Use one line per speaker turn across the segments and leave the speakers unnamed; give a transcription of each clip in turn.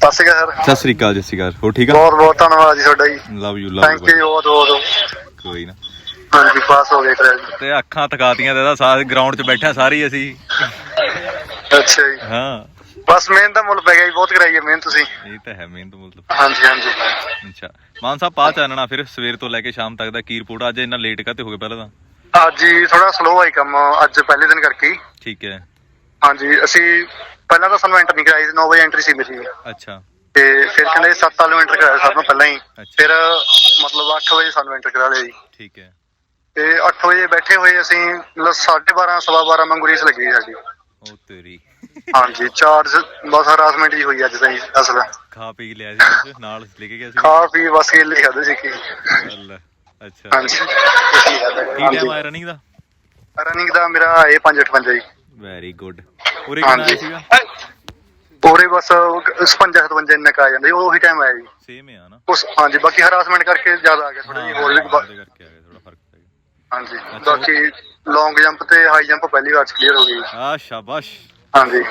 ਸਤਿ ਸ਼੍ਰੀ ਅਕਾਲ
ਸਤਿ ਸ੍ਰੀ ਅਕਾਲ ਜੀ, ਸਤਿ ਸ਼੍ਰੀ ਅਕਾਲ। ਹੋਰ ਠੀਕ ਆ?
ਬਹੁਤ ਬਹੁਤ ਧੰਨਵਾਦ ਜੀ ਤੁਹਾਡਾ ਜੀ।
ਲਵ ਯੂ
ਥੈਂਕ ਯੂ ਬਹੁਤ ਬਹੁਤ।
ਕੋਈ ਨਾ।
ਹਾਂਜੀ ਪਾਸ ਹੋ ਗਏ ਟ੍ਰੈਲ।
ਤੇ ਅੱਖਾਂ ਥਕਾਤੀਆਂ ਤੇ ਇਹਦਾ ਸਾਰਾ ਗਰਾਊਂਡ 'ਚ ਬੈਠਾ ਸਾਰੀ ਅਸੀਂ।
ਅੱਛਾ ਜੀ।
ਹਾਂ
ਬਸ ਮਿਹਨਤ ਦਾ ਮੁੱਲ ਪੈ ਗਿਆ ਜੀ, ਬਹੁਤ ਕਰਾਈ ਹੈ ਮਿਹਨਤ ਤੁਸੀਂ।
ਇਹ ਤਾਂ ਹੈ ਮਿਹਨਤ ਮੁੱਲ।
ਹਾਂਜੀ ਹਾਂਜੀ।
ਅੱਛਾ ਮਾਨ ਸਾਹਿਬ, ਪਾ ਚਾਨਣਾ ਫਿਰ ਸਵੇਰ ਤੋਂ ਲੈ ਕੇ ਸ਼ਾਮ ਤੱਕ ਦਾ ਕੀ ਰਿਪੋਰਟ? ਅੱਜ ਇੰਨਾ ਲੇਟ ਕਾਹਤੇ ਹੋ ਗਏ ਪਹਿਲਾਂ ਤਾਂ?
ਅੱਜ ਜੀ ਥੋੜਾ ਸਲੋ ਆਈ ਕੰਮ, ਅੱਜ ਪਹਿਲੇ ਦਿਨ ਕਰਕੇ।
ਠੀਕ ਹੈ।
ਹਾਂਜੀ ਅਸੀਂ ਪਹਿਲਾਂ ਤਾਂ ਸਾਨੂੰ ਐਂਟਰ ਨਹੀਂ ਕਰਾਈ ਸੀ, 9 ਵਜੇ ਐਂਟਰੀ ਸੀ ਮੇਰੀ।
ਅੱਛਾ।
ਤੇ ਫਿਰ ਕਹਿੰਦੇ 7 ਵਾਲੇ ਨੂੰ ਐਂਟਰ ਕਰਾਇਆ ਸਭ ਤੋਂ ਪਹਿਲਾਂ ਹੀ।
ਅੱਛਾ।
ਫਿਰ ਮਤਲਬ 8 ਵਜੇ ਸਾਨੂੰ ਐਂਟਰ ਕਰਾ ਲਿਆ ਜੀ।
ਠੀਕ ਹੈ।
ਤੇ 8 ਵਜੇ ਬੈਠੇ ਹੋਏ ਅਸੀਂ, ਮਤਲਬ 12:30 12:15 ਵਾਂਗੂ ਰੀਸ ਲੱਗੀ ਸਾਡੀ।
ਉਹ ਤੇਰੀ।
ਹਾਂਜੀ ਚਾਰਜ ਬਸ ਹਰਾਸਮੈਂਟ ਹੀ ਹੋਈ ਅੱਜ ਤਾਂ ਜੀ ਅਸਲ।
ਖਾ ਪੀ ਲਿਆ ਸੀ ਕੁਛ ਨਾਲ ਲੈ ਕੇ ਗਿਆ ਸੀ?
ਖਾ ਪੀ ਬਸ ਕੇਲੇ ਖਾਦੇ ਸੀ ਕੀ।
ਅੱਛਾ।
ਹਾਂਜੀ।
ਕੀ ਟਾਈਮ ਆਇਆ ਰਨਿੰਗ ਦਾ?
ਰਨਿੰਗ ਦਾ ਮੇਰਾ ਇਹ 5:58 ਜੀ।
Very good. ਉਰੇ ਕਿੰਨਾ ਆਇਆ ਸੀਗਾ?
ਪੂਰੇ ਬਸ 56 57 ਇੰਨਾ ਕੁ ਆ ਜਾਂਦਾ ਜੀ, ਉਹੀ ਟਾਈਮ ਆਇਆ ਜੀ।
ਸੇਮ ਹੈ ਨਾ?
ਉਸ ਹਾਂਜੀ ਬਾਕੀ ਹਰਾਸਮੈਂਟ ਕਰਕੇ ਜ਼ਿਆਦਾ ਆ ਗਿਆ ਥੋੜਾ ਜੀ, ਹੋਰ ਵੀ
ਉਹਦੇ ਕਰਕੇ ਆ ਗਿਆ, ਥੋੜਾ ਫਰਕ ਪੈ ਗਿਆ।
ਹਾਂਜੀ ਬਾਕੀ ਲੌਂਗ ਜੰਪ ਤੇ ਹਾਈ ਜੰਪ ਪਹਿਲੀ ਵਾਰ ਚ ਕਲੀਅਰ ਹੋ ਗਈ।
ਆ ਸ਼ਾਬਾਸ਼।
ਹਾਂਜੀ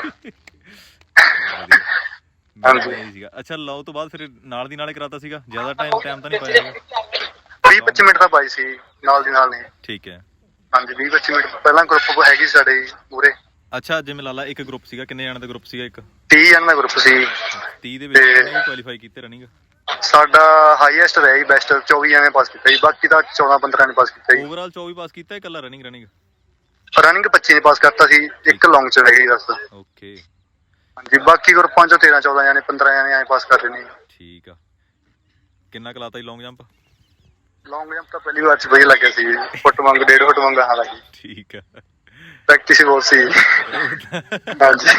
ਹਾਂਜੀ।
ਸੀਗਾ। ਅੱਛਾ ਲਓ ਤੋਂ ਬਾਅਦ ਫਿਰ ਨਾਲ ਦੀ ਨਾਲੇ ਕਰਾਤਾ ਸੀਗਾ? ਜ਼ਿਆਦਾ ਟਾਈਮ ਤਾਂ ਨਹੀਂ ਪਾਇਆ?
20-25 ਮਿੰਟ ਦਾ ਪਾਈ ਸੀ ਨਾਲ ਦੀ ਨਾਲ ਨੇ।
ਠੀਕ ਹੈ।
ਹਾਂਜੀ 20-25 ਮਿੰਟ ਪਹਿਲਾਂ ਗਰੁੱਪ ਹੈਗੀ ਸਾਡੇ ਪੂਰੇ।
ਅੱਛਾ ਜਿਵੇਂ ਲਾ ਲਾ ਇੱਕ ਗਰੁੱਪ ਸੀਗਾ, ਕਿੰਨੇ ਜਣਾਂ ਦਾ ਗਰੁੱਪ ਸੀਗਾ? ਇੱਕ
30 ਜਣ ਦਾ ਗਰੁੱਪ ਸੀ।
30 ਦੇ ਵਿੱਚ ਕਿੰਨੇ ਕੁਆਲੀਫਾਈ ਕੀਤੇ ਰਨਿੰਗ?
ਸਾਡਾ ਹਾਈਐਸਟ ਰਿਹਾ ਜੀ, ਬੈਸਟ 24 ਐਵੇਂ ਪਾਸ ਕੀਤਾ ਜੀ, ਬਾਕੀ ਤਾਂ 14-15 ਨੇ ਪਾਸ ਕੀਤਾ ਜੀ।
ਓਵਰਆਲ 24 ਪਾਸ ਕੀਤਾ, ਇਕੱਲਾ ਰਨਿੰਗ?
ਰਨਿੰਗ 25 ਨੇ ਪਾਸ ਕਰਤਾ ਸੀ, ਇੱਕ ਲੌਂਗ ਚ ਰਹਿ ਗਈ ਬਸ।
ਓਕੇ।
ਹਾਂਜੀ ਬਾਕੀ ਗਰੁੱਪਾਂ ਚੋਂ 13-14 ਜਾਣੇ 15 ਜਾਣੇ ਐਂ ਪਾਸ ਕਰ ਰਹੇ ਨੇ।
ਠੀਕ ਆ। ਕਿੰਨਾ ਕਲਾਤਾ ਜੀ ਲੌਂਗ ਜੰਪ?
ਲੌਂਗ ਜੰਪ ਤਾਂ ਪਹਿਲੀ ਵਾਰ ਚ ਵਧੀਆ ਲੱਗਿਆ ਸੀ, ਫੁੱਟ ਵਾਂਗ 1.5 ਫੁੱਟ ਵਾਂਗ ਹਾਂ ਲੱਗੀ।
ਠੀਕ ਆ।
ਪ੍ਰੈਕਟਿਸ ਬਹੁਤ ਸੀ। ਹਾਂਜੀ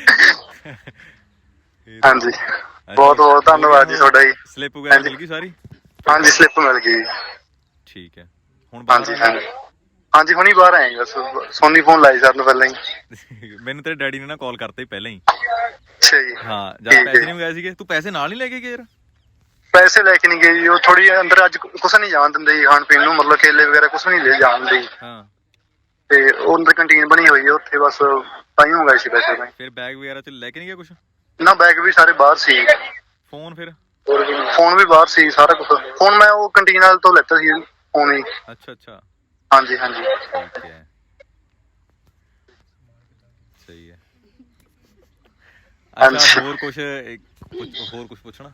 ਹਾਂਜੀ ਬਹੁਤ ਬਹੁਤ ਧੰਨਵਾਦ ਜੀ ਤੁਹਾਡਾ ਜੀ।
ਸਲਿੱਪ ਵਗੈਰਾ ਮਿਲ ਗਈ ਸਾਰੀ?
ਹਾਂਜੀ ਸਲਿੱਪ ਮਿਲ ਗਈ।
ਠੀਕ ਹੈ। ਹੁਣ
ਹਾਂਜੀ ਹਾਂਜੀ ਹਾਂਜੀ ਹੁਣੀ ਬਾਹਰ ਆਏ ਬਸ, ਸੋਨੀ ਫੋਨ ਲਾਈ ਸਰ ਨੂੰ ਪਹਿਲਾਂ ਹੀ।
ਮੈਨੂੰ ਤੇਰੇ ਡੈਡੀ ਨੇ ਨਾ ਕਾਲ ਕਰਤਾ ਹੀ ਪਹਿਲਾਂ ਹੀ।
ਅੱਛਾ ਜੀ।
ਹਾਂ ਜਦ ਪੈਸੇ ਨਹੀਂ ਮੰਗਾਏ ਸੀਗੇ, ਤੂੰ ਪੈਸੇ ਨਾਲ ਨਹੀਂ ਲੈ ਕੇ ਗਿਆ ਯਾਰ?
ਪੈਸੇ ਲੈ ਕੇ ਨਹੀਂ ਗਏ ਜੀ, ਉਹ ਥੋੜੀ ਅੰਦਰ ਅੱਜ ਕੁਛ ਨਹੀਂ ਜਾਣ ਦਿੰਦੇ ਜੀ ਖਾਣ ਪੀਣ ਨੂੰ, ਮਤਲਬ ਕੇਲੇ ਵਗੈਰਾ ਕੁਛ ਨਹੀਂ ਲੈ ਜਾਣ ਦਿੰਦੇ।
ਹਾਂ।
ਤੇ ਉਹ ਅੰਦਰ ਕੰਟੀਨ ਬਣੀ ਹੋਈ ਹੈ ਉੱਥੇ, ਬਸ ਤਾਂ ਹੀ ਮੰਗਾਏ ਸੀ ਪੈਸੇ ਤਾਂ।
ਫਿਰ ਬੈਗ ਵਗੈਰਾ ਚ ਲੈ ਕੇ ਨਹੀਂ ਗਿਆ ਕੁਛ?
ਨਾ ਬੈਗ ਵੀ ਸਾਰੇ ਬਾਹਰ ਸੀ।
ਫੋਨ ਫਿਰ?
ਫੋਨ ਵੀ ਬਾਹਰ ਸੀ, ਸਾਰਾ ਕੁਛ। ਫੋਨ ਮੈਂ ਉਹ ਕੰਟੀਨ ਵਾਲੇ ਤੋਂ ਲੈਤਾ ਸੀ ਫੋਨ ਹੀ।
ਅੱਛਾ ਅੱਛਾ।
ਹਾਂਜੀ ਹਾਂਜੀ
ਠੀਕ ਹੈ। ਸਹੀ ਹੈ। ਅੱਛਾ ਹੋਰ ਕੁਛ ਪੁੱਛਣਾ?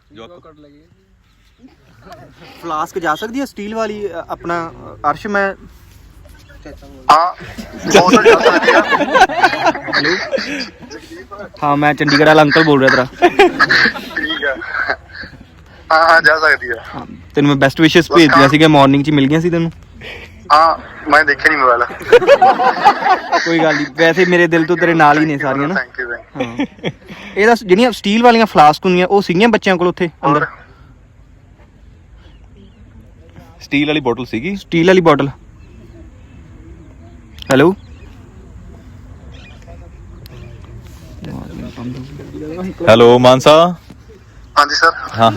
ਫਲਾਸਕ ਜਾ ਸਕਦੀ ਹੈ ਸਟੀਲ ਵਾਲੀ ਆਪਣਾ ਅਰਸ਼? ਮੈਂ
ਹਾਂ ਬਹੁਤ ਜਾ ਸਕਦੀ ਆ।
ਹੈਲੋ ਹਾਂ ਮੈਂ ਚੰਡੀਗੜ੍ਹ ਵਾਲਾ ਅੰਕਲ ਬੋਲ ਰਿਹਾ ਤੇਰਾ।
ਠੀਕ ਆ। ਹਾਂ ਹਾਂ ਜਾ ਸਕਦੀ ਆ।
ਹਾਂ ਤੈਨੂੰ ਮੈਂ ਬੈਸਟ ਵਿਸ਼ੇਸ ਭੇਜਦੀਆਂ ਸੀਗੀਆਂ, ਮਾਰਨਿੰਗ 'ਚ ਮਿਲ ਗਈਆਂ ਸੀ ਤੈਨੂੰ?
ਹਾਂ ਮੈਂ ਦੇਖਿਆ ਨਹੀਂ ਮੋਬਾਈਲ।
ਕੋਈ ਗੱਲ ਨਹੀਂ, ਵੈਸੇ ਮੇਰੇ ਦਿਲ ਤੋਂ ਤੇਰੇ ਨਾਲ ਹੀ ਨੇ ਸਾਰੀਆਂ ਨਾ।
ਥੈਂਕ ਯੂ
ਹਾਂ ਇਹਦਾ ਜਿਹੜੀਆਂ ਸਟੀਲ ਵਾਲੀਆਂ ਫਲਾਸਕ ਹੁੰਦੀਆਂ ਉਹ ਸੀਗੀਆਂ ਬੱਚਿਆਂ ਕੋਲ ਉੱਥੇ ਅੰਦਰ?
ਸਟੀਲ ਵਾਲੀ ਬੋਟਲ ਸੀਗੀ?
ਸਟੀਲ ਵਾਲੀ ਬੋਟਲ। Hello
hello Mansa.
ਹਾਂਜੀ ਸਰ।
ਹਾਂ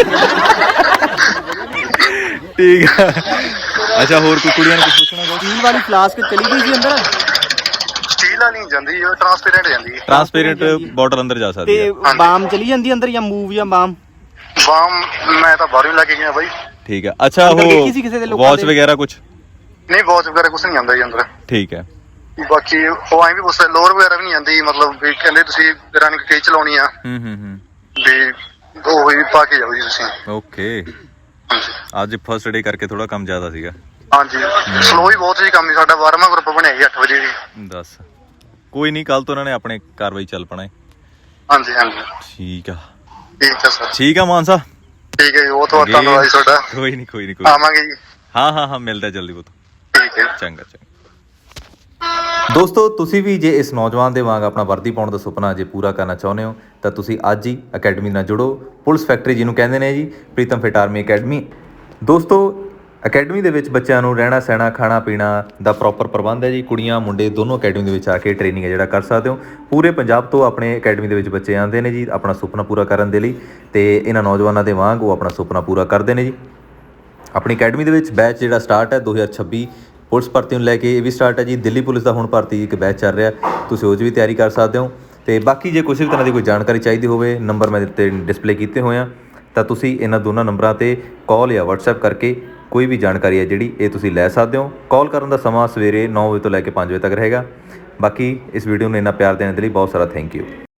ਠੀਕ ਆ। ਅੱਛਾ ਹੋਰ ਕੋਈ ਕੁੜੀਆਂ ਨੂੰ ਕੁਝ ਪੁੱਛਣਾ?
ਸਟੀਲ ਵਾਲੀ ਫਲਾਸਕ ਚਲੀ ਗਈ ਸੀ ਅੰਦਰ?
ਸਟੀਲ ਵਾਲੀ ਨਹੀਂ ਜਾਂਦੀ, ਉਹ ਟ੍ਰਾਂਸਪੇਰੈਂਟ ਜਾਂਦੀ ਹੈ।
ਟ੍ਰਾਂਸਪੇਰੈਂਟ ਬੋਟਲ ਅੰਦਰ ਜਾ ਸਕਦੀ ਹੈ।
ਤੇ ਬਾਮ ਚਲੀ ਜਾਂਦੀ ਅੰਦਰ ਜਾਂ ਮੂਵ ਜਾਂ ਬਾਮ?
ਬਾਮ ਮੈਂ ਤਾਂ ਬਾਹਰੋਂ ਲੈ ਕੇ ਗਿਆ ਬਾਈ।
ਠੀਕ ਹੈ। ਅੱਛਾ ਉਹ ਵਾਚ ਵਗੈਰਾ ਕੁਝ
ਨਹੀਂ? ਵਾਚ ਵਗੈਰਾ ਕੁਝ ਨਹੀਂ ਆਉਂਦਾ ਜੀ ਅੰਦਰ।
ਠੀਕ ਹੈ।
ਬਾਕੀ ਉਹ ਐਂ ਵੀ ਪੁੱਛਦਾ, ਲੋਅਰ ਵਗੈਰਾ ਵੀ ਨਹੀਂ ਆਉਂਦੀ, ਮਤਲਬ ਵੀ ਕਹਿੰਦੇ ਤੁਸੀਂ ਰਨਿੰਗ ਕਈ ਚਲਾਉਣੀ ਆ ਵੀ ਉਹ ਹੀ ਪਾ ਕੇ ਜਾਓ ਜੀ ਤੁਸੀਂ।
ਓਕੇ। ਅੱਜ ਫਸਟ ਡੇ ਕਰਕੇ ਥੋੜਾ ਕੰਮ ਜ਼ਿਆਦਾ ਸੀਗਾ।
ਹਾਂਜੀ ਸਲੋ ਹੀ ਬਹੁਤ ਸੀ ਕੰਮ। ਸਾਡਾ 12ਵਾਂ ਗਰੁੱਪ ਬਣਿਆ ਜੀ 8 ਵਜੇ ਜੀ।
ਦੱਸ ਕੋਈ ਨਹੀਂ, ਕੱਲ ਤੋਂ ਉਹਨਾਂ ਨੇ ਆਪਣੇ ਕਾਰਵਾਈ ਚੱਲ ਪਣਾ ਹੈ।
ਹਾਂਜੀ ਹਾਂਜੀ
ਠੀਕ ਆ।
ਠੀਕ ਆ ਸਰ।
ਠੀਕ ਆ ਮਾਨਸਾ।
ਠੀਕ ਹੈ ਜੀ, ਬਹੁਤ ਬਹੁਤ ਧੰਨਵਾਦ ਜੀ ਤੁਹਾਡਾ।
ਕੋਈ ਨਹੀਂ
ਆਵਾਂਗੇ ਜੀ।
ਹਾਂ ਮਿਲਦਾ ਜਲਦੀ ਬਹੁਤ।
ਠੀਕ ਹੈ
ਚੰਗਾ। ਦੋਸਤੋ ਤੁਸੀਂ ਵੀ ਜੇ ਇਸ ਨੌਜਵਾਨ ਦੇ ਵਾਂਗ ਆਪਣਾ ਵਰਦੀ ਪਾਉਣ ਦਾ ਸੁਪਨਾ ਜੇ ਪੂਰਾ ਕਰਨਾ ਚਾਹੁੰਦੇ ਹੋ ਤਾਂ ਤੁਸੀਂ ਅੱਜ ਹੀ ਅਕੈਡਮੀ ਨਾਲ ਜੁੜੋ। ਪੁਲਿਸ ਫੈਕਟਰੀ ਜਿਹਨੂੰ ਕਹਿੰਦੇ ਨੇ ਜੀ, ਪ੍ਰੀਤਮ ਫਿਟ ਆਰਮੀ ਅਕੈਡਮੀ। ਦੋਸਤੋ ਅਕੈਡਮੀ ਦੇ ਵਿੱਚ ਬੱਚਿਆਂ ਨੂੰ ਰਹਿਣਾ ਸਹਿਣਾ ਖਾਣਾ ਪੀਣਾ ਦਾ ਪ੍ਰੋਪਰ ਪ੍ਰਬੰਧ ਹੈ ਜੀ। ਕੁੜੀਆਂ ਮੁੰਡੇ ਦੋਨੋਂ ਅਕੈਡਮੀ ਦੇ ਵਿੱਚ ਆ ਕੇ ਟ੍ਰੇਨਿੰਗ ਹੈ ਜਿਹੜਾ ਕਰ ਸਕਦੇ ਹੋ। ਪੂਰੇ ਪੰਜਾਬ ਤੋਂ ਆਪਣੇ ਅਕੈਡਮੀ ਦੇ ਵਿੱਚ ਬੱਚੇ ਆਉਂਦੇ ਨੇ ਜੀ ਆਪਣਾ ਸੁਪਨਾ ਪੂਰਾ ਕਰਨ ਦੇ ਲਈ, ਅਤੇ ਇਹਨਾਂ ਨੌਜਵਾਨਾਂ ਦੇ ਵਾਂਗ ਉਹ ਆਪਣਾ ਸੁਪਨਾ ਪੂਰਾ ਕਰਦੇ ਨੇ ਜੀ। ਆਪਣੀ ਅਕੈਡਮੀ ਦੇ ਵਿੱਚ ਬੈਚ ਜਿਹੜਾ ਸਟਾਰਟ ਹੈ 2026 ਪੁਲਿਸ ਭਰਤੀ ਨੂੰ ਲੈ ਕੇ ਇਹ ਵੀ ਸਟਾਰਟ ਹੈ ਜੀ। ਦਿੱਲੀ ਪੁਲਿਸ ਦਾ ਹੁਣ ਭਰਤੀ ਇੱਕ ਬੈਚ ਚੱਲ ਰਿਹਾ, ਤੁਸੀਂ ਉਹ 'ਚ ਵੀ ਤਿਆਰੀ ਕਰ ਸਕਦੇ ਹੋ। ਤੇ ਬਾਕੀ ਜੇ ਕਿਸੇ ਵੀ ਤਰ੍ਹਾਂ ਦੀ ਕੋਈ ਜਾਣਕਾਰੀ ਚਾਹੀਦੀ ਹੋਵੇ, ਨੰਬਰ ਮੈਂ ਦਿੱਤੇ ਡਿਸਪਲੇ ਕੀਤੇ ਹੋਏ ਆ, ਤਾਂ ਤੁਸੀਂ ਇਹਨਾਂ ਦੋਨਾਂ ਨੰਬਰਾਂ 'ਤੇ ਕਾਲ ਜਾਂ WhatsApp ਕਰਕੇ ਕੋਈ ਵੀ ਜਾਣਕਾਰੀ ਹੈ ਜਿਹੜੀ ਇਹ ਤੁਸੀਂ ਲੈ ਸਕਦੇ ਹੋ। ਕਾਲ ਕਰਨ ਦਾ ਸਮਾਂ ਸਵੇਰੇ 9 ਵਜੇ ਤੋਂ ਲੈ ਕੇ 5 ਵਜੇ ਤੱਕ ਰਹੇਗਾ। ਬਾਕੀ ਇਸ ਵੀਡੀਓ ਨੂੰ ਇੰਨਾ ਪਿਆਰ ਦੇਣ ਦੇ ਲਈ ਬਹੁਤ ਸਾਰਾ ਥੈਂਕ ਯੂ।